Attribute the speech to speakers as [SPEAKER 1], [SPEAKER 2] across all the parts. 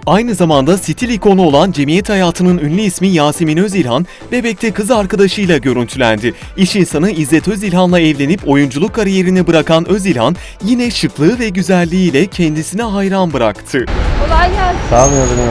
[SPEAKER 1] Aynı zamanda stil ikonu olan cemiyet hayatının ünlü ismi Yasemin Özilhan, Bebek'te kız arkadaşıyla görüntülendi. İş insanı İzzet Özilhan'la evlenip oyunculuk kariyerini bırakan Özilhan, yine şıklığı ve güzelliğiyle kendisine hayran bıraktı.
[SPEAKER 2] Kolay gelsin.
[SPEAKER 3] Sağ olun ya.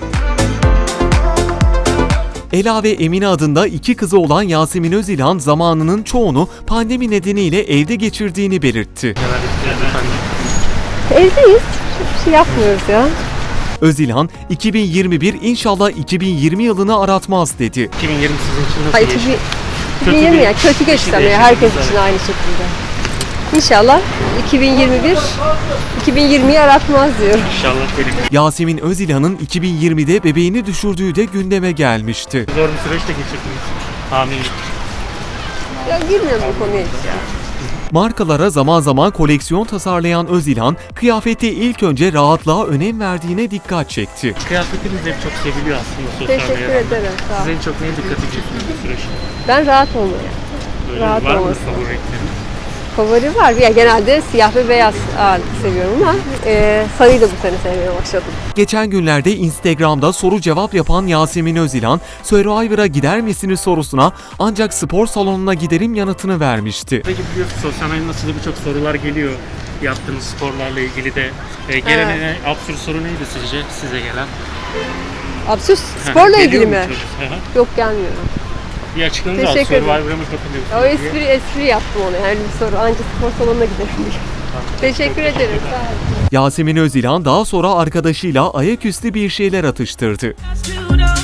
[SPEAKER 1] Ela ve Emine adında iki kızı olan Yasemin Özilhan, zamanının çoğunu pandemi nedeniyle evde geçirdiğini belirtti.
[SPEAKER 2] Evdeyiz. Hiçbir şey yapmıyoruz ya.
[SPEAKER 1] Özilhan, 2021 inşallah 2020 yılını aratmaz dedi.
[SPEAKER 3] 2020 sizin için nasıl
[SPEAKER 2] Hayır,
[SPEAKER 3] geçti?
[SPEAKER 2] 2020 yani kötü geçti ama ya, herkes için aynı şekilde. İnşallah 2021 2020'yi aratmaz diyorum.
[SPEAKER 3] İnşallah benim.
[SPEAKER 1] Yasemin Özilhan'ın 2020'de bebeğini düşürdüğü de gündeme gelmişti.
[SPEAKER 3] Zor bir süreç de geçirdiniz. Hamilelik.
[SPEAKER 2] Ya girmiyorum bu konuya hiç ya.
[SPEAKER 1] Markalara zaman zaman koleksiyon tasarlayan Özilhan, kıyafette ilk önce rahatlığa önem verdiğine dikkat çekti.
[SPEAKER 3] Kıyafetiniz hep çok seviliyor aslında sosyal
[SPEAKER 2] Teşekkür
[SPEAKER 3] medyada.
[SPEAKER 2] ederim. Sağ
[SPEAKER 3] Siz
[SPEAKER 2] ol.
[SPEAKER 3] en çok neye dikkat ediyorsunuz bu süreçte?
[SPEAKER 2] Ben rahat olmaya.
[SPEAKER 3] Böyle
[SPEAKER 2] Rahat
[SPEAKER 3] var mı
[SPEAKER 2] olması.
[SPEAKER 3] favori renkleriniz?
[SPEAKER 2] Favori var. Ya genelde siyah ve beyaz ağırlıklı seviyorum ama sarıyı da bu sene sevmeye başladım.
[SPEAKER 1] Geçen günlerde Instagram'da soru cevap yapan Yasemin Özilhan, Survivor'a gider misiniz sorusuna ancak spor salonuna giderim yanıtını vermişti.
[SPEAKER 3] Peki biliyorsunuz sosyal medyada nasıl birçok sorular geliyor yaptığınız sporlarla ilgili de. Gelen en absürt soru neydi sizce size gelen?
[SPEAKER 2] Absürt sporla
[SPEAKER 3] Geliyor
[SPEAKER 2] ilgili
[SPEAKER 3] mu
[SPEAKER 2] mi?
[SPEAKER 3] çok? Hı hı.
[SPEAKER 2] Yok, gelmiyor.
[SPEAKER 3] Bir açıklanız al.
[SPEAKER 2] Teşekkür ederim.
[SPEAKER 3] Survivor'a mı katılıyorsunuz
[SPEAKER 2] O
[SPEAKER 3] diye.
[SPEAKER 2] espri yaptım ona. Yani bir soru ancak spor salonuna giderim diye. Teşekkür ederim. Sağ olun.
[SPEAKER 1] Yasemin Özilhan daha sonra arkadaşıyla ayaküstü bir şeyler atıştırdı.
[SPEAKER 4] Studio.